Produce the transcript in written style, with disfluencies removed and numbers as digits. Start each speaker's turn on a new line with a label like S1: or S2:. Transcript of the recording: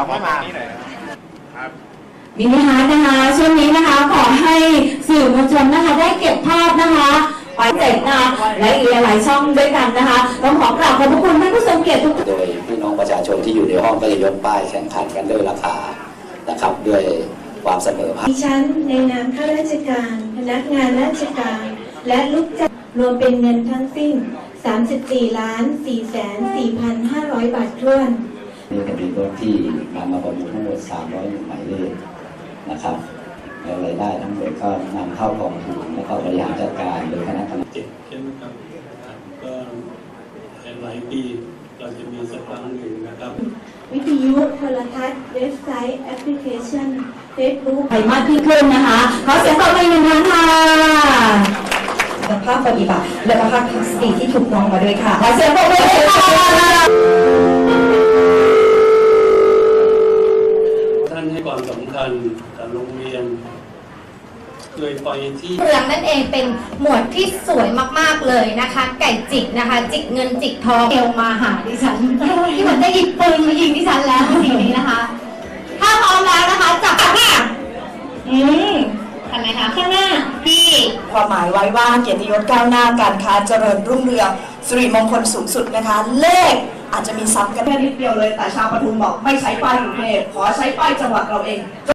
S1: ไม่มา
S2: มินิฮาร์ทนะคะช่วงนี้นะคะขอให้สื่อมวลชนนะคะได้เก็บภาพนะคะไปเสร็จนะและอีกหลายช่องด้วยกันนะคะต้องขอกราบขอบพระคุณท่านผู้ทรงเกียรติทุกท่าน
S3: โดยพี่น้องประชาชนที่อยู่ในห้องก็จะยกป้ายแข่งขันกันด้วยราคานะครับด้วยความเสมอภาค
S4: ดิฉันในนามข้าราชการพนักงานราชการและลูกจ้างรวมเป็นเงินทั้งสิ้น 34,404,500 บาทถ้วน
S3: นี่ก็เป็นรถที่นำมาประมูลทั้งหมด301หมายเลขนะครับแล้วรายได้ทั้งหมดก็นำเข้ากองทุนและก็บริหารจัดการโดยคณะกรรมการ
S5: ใช่ไหมครับก็หลายปีเราจะมีสักครั้งหนึ่งนะครับ
S4: วิทยุโทรทัศน์เว็บไซต์แอปพลิเคชันเฟซบุ๊ก
S2: ไปมากขึ้นนะคะขอเสียงปรบมือหนึ่งครั้งค่ะภาพปฏิบัติและภาพทัศนีที่ถูกต้องมาด้วยค่ะขอเสียงปรบมือค่ะ
S5: ท่านให้ความสำคัญกับโรงเรียนเคยไปที่
S6: เรื่องนั่นเองเป็นหมวดที่สวยมากๆเลยนะคะไก่จิกนะคะจิกเงินจิกทองเอวมาหาดิฉันที่เหมือนจะหยิบปืนมายิงดิฉันแล้วทีนี้นะคะถ้าพร้อมแล้วนะคะจับค่ะทำไมคะข้างหน้าพี่
S7: ความหมายไว้ว่าเกียรติยศก้าวหน้าการค้าเจริญรุ่งเรืองสิริมงคลสูงสุดนะคะเลขอาจจะมีซ้ำกันแค่นิดเดียวเลยแต่ชาวปทุมบอกไม่ใช้ป้ายกรุงเทพขอใช้ป้ายจังหวัดเราเอง